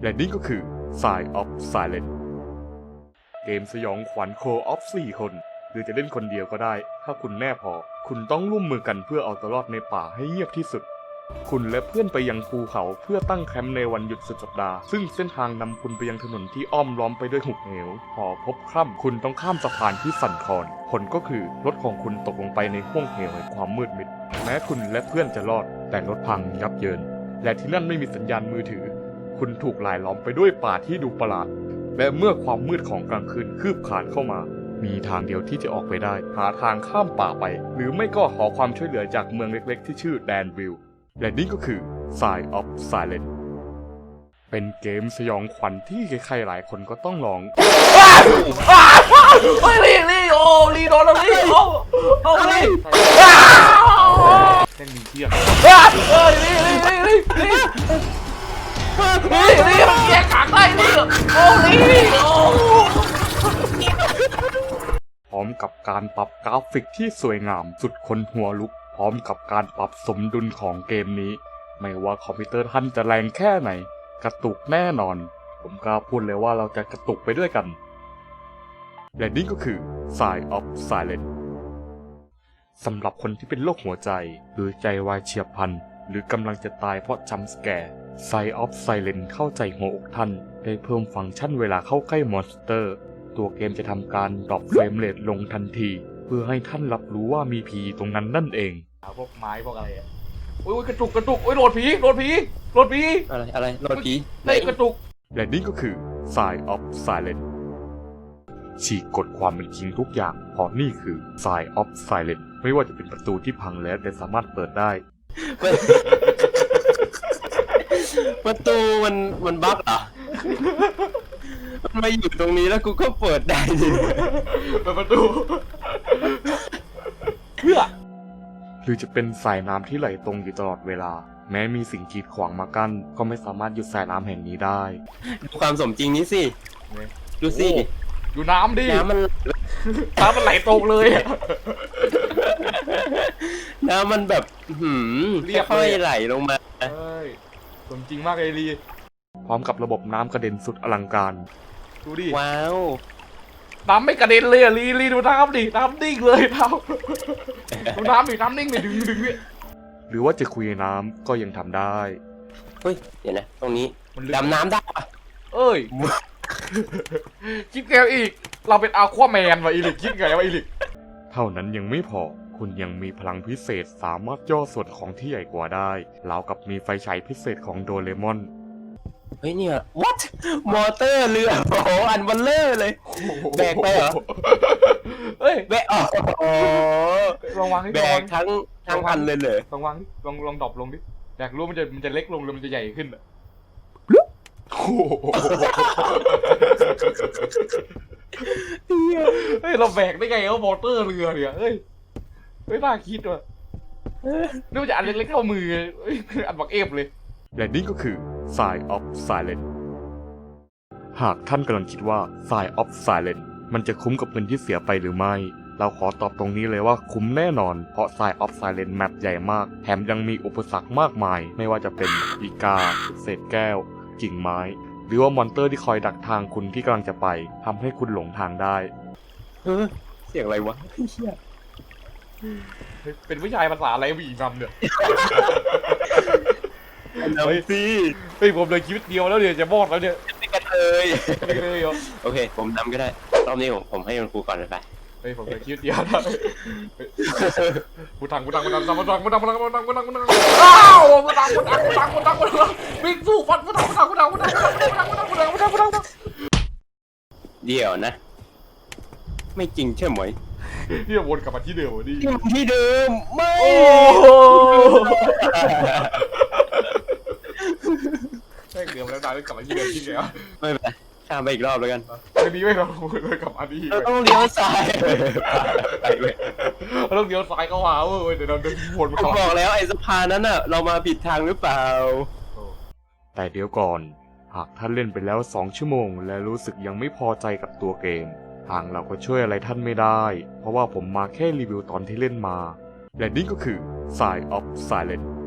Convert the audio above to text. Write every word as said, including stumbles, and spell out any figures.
และนี่ก็คือ Sign of Silence เกมสยองขวัญโคออฟสี่คนหรือจะเล่นคนเดียวก็ได้ถ้าคุณแน่พอคุณต้องร่วมมือกันเพื่อเอาตัวรอดในป่าให้เงียบที่สุดคุณและเพื่อนไปยังภูเขาเพื่อตั้งแคมป์ในวันหยุดสุดสัปดาห์ซึ่งเส้นทางนำคุณไปยังถนนที่อ้อมล้อมไปด้วยหุบเหวพอพบค่ำคุณต้องข้ามสะพานที่สั่นคลอนผลก็คือรถของคุณตกลงไปในห้วงเหวแห่งความมืดมิดแม้คุณและเพื่อนจะรอดแต่รถพังยับเยินและที่นั่นไม่มีสัญญาณมือถือคุณถูกหลายล้อมไปด้วยป่าที่ดูประหลาดและเมื่อความมืดของกลางคืนคืบคลานเข้ามามีทางเดียวที่จะออกไปได้หาทางข้ามป่าไปหรือไม่ก็ขอความช่วยเหลือจากเมืองเล็กๆที่ชื่อแดนวิลและนี่ก็คือ Sign of Silence เป็นเกมสยองขวัญที่ใครๆหลายคนก็ต้องลองเฮ้ยลีลีโอ้ลีโดนแล้วลีโอ้โอ้ลีแค่มีเทียบเฮ้ยลีลีลีลีลีลีลีมันแยกขางได้ลีโอ้ลีโอ้พร้อมกับการปรับกราฟิกที่สวยงามสุดคนหัวลุกพร้อมกับการปรับสมดุลของเกมนี้ไม่ว่าคอมพิวเตอร์ท่านจะแรงแค่ไหนกระตุกแน่นอนผมกล้าพูดเลยว่าเราจะกระตุกไปด้วยกันและนี่ก็คือ Sign of Silence สำหรับคนที่เป็นโรคหัวใจหรือใจวายเฉียบพลันหรือกำลังจะตายเพราะจัมป์สแกร์ Sign of Silence เข้าใจหัวอกท่านได้เพิ่มฟังก์ชันเวลาเข้าใกล้มอนสเตอร์ตัวเกมจะทำการดรอปเฟรมเรทลงทันทีเพื่อให้ท่านรับรู้ว่ามีผีตรงนั้นนั่นเองพวกไม้พวกอะไรอ่ะโอ้ยกระตุกกระตุกโอ้ยโดนผีโดนผีโดนผีอะไรอะไรโดนผีไหนกระตุกและนี่ก็คือ Sign of Silence ฉีกกฎความเป็นจริงทุกอย่างเพราะนี่คือ Sign of Silence ไม่ว่าจะเป็นประตูที่พังแล้วแต่สามารถเปิดได้ประตูมันมันบั๊กเหรอมันมาอยู่ตรงนี้แล้วกูก็เปิดได้ดิเปิดประตูเพื่อหรือจะเป็นสายน้ำที่ไหลตรงอยู่ตลอดเวลาแม้มีสิ่งกีดขวางมากั้นก็ไม่สามารถหยุดสายน้ำแห่งนี้ได้ดูความสมจริงนี้สิดูสิดูน้ำดิน้ำมันน้ำมันไหลตรงเลยน้ำมันแบบหืมเรียบค่อยไหลลงมาเฮ้ยสมจริงมากเลยลีพร้อมกับระบบน้ำกระเด็นสุดอลังการดูดิว้าวน้ำไม่กระเด็นเลยอ่ะลีลีดูน้ำดิน้ำนิ่งเลยน้ำดูน้ำดิน้ำนิ่งเลยดึงดึงเนี่ยหรือว่าจะคุยน้ำก็ยังทำได้เฮ้ยเดี๋ยวนะตรงนี้ดำน้ำได้ปะเอ้ยคิดไงอีกเราเป็นอัลควาแมนวะอีลิกคิดไงวะอีลิกเท่านั้นยังไม่พอคุณยังมีพลังพิเศษสามารถย่อส่วนของที่ใหญ่กว่าได้ราวกับมีไฟฉายพิเศษของโดเรมอนเฮ้ยเนี่ย what มอเตอร์เรือโอ้โหอันบัลเลอร์เลยแบกไปเหรอเฮ้ยแบกอ๋อลองวางดิแบกทั้งทั้งพันเลยเลยลองวางดิลองลองดรอปลงดิอยากรู้มันจะมันจะเล็กลงหรือมันจะใหญ่ขึ้นอ่ะเฮ้ยเราแบกได้ไงเอามอเตอร์เรือเนี่ยเฮ้ยไม่น่าคิดว่ะนี่มันจะอันเล็กๆเท่ามืออันบักเอฟเลยและนี่ก็คือ Sign of Silence หากท่านกำลังคิดว่า Sign of Silence มันจะคุ้มกับเงินที่เสียไปหรือไม่เราขอตอบตรงนี้เลยว่าคุ้มแน่นอนเพราะ Sign of Silence แมปใหญ่มากแถมยังมีอุปสรรคมากมายไม่ว่าจะเป็นอีกาเศษแก้วกิ่งไม้หรือว่ามอนเตอร์ที่คอยดักทางคุณที่กำลังจะไปทำให้คุณหลงทางได้เฮ้ยเสียงอะไรวะเป็นผู้ชายภาษาอะไรผู้หญิงนำเนี่ยเฮ้ยสิเฮ้ยผมเลยชีวิตเดียวแล้วเนี่ยจะมอดแล้วเนี่ยไม่กันเลยไม่เลยเหรอโอเคผมนำก็ได้รอบนี้ผมผมให้คุณครูก่อนเลยไปเฮ้ยผมเลยชีวิตเดียวแล้วกูทังกูทังกูทังกูทังกูทังกูทังกูทังกูทังกูทังกูทังอ้าวกูทังกูทังกูทังกูทังกูทังวิ่งสู้ฟันกูทังกูทังกูทังกูทังกูทังกูทังกูทังกูทังกูทังกูทังเดี๋ยวนะไม่จริงใช่ไหมนี่วนกลับมาที่เดิมดิที่เดิมไม่แม่งเดิมแล้วนายกลับมาที่เดิมที่เดียวไม่เป็นไรข้ามไปอีกรอบแล้วกันไม่ดีไม่เราเลยกลับมาดีเราต้องเลี้ยวซ้ายไปเลยเราต้องเลี้ยวซ้ายเข้ามาเว้ยเดี๋ยวเราเดินวนผมบอกแล้วไอ้สะพานนั้นน่ะเรามาผิดทางหรือเปล่าแต่เดี๋ยวก่อนหากท่านเล่นไปแล้วสองชั่วโมงและรู้สึกยังไม่พอใจกับตัวเกมทางเราก็ช่วยอะไรท่านไม่ได้เพราะว่าผมมาแค่รีวิวตอนที่เล่นมาและนี่ก็คือ Sign of Silence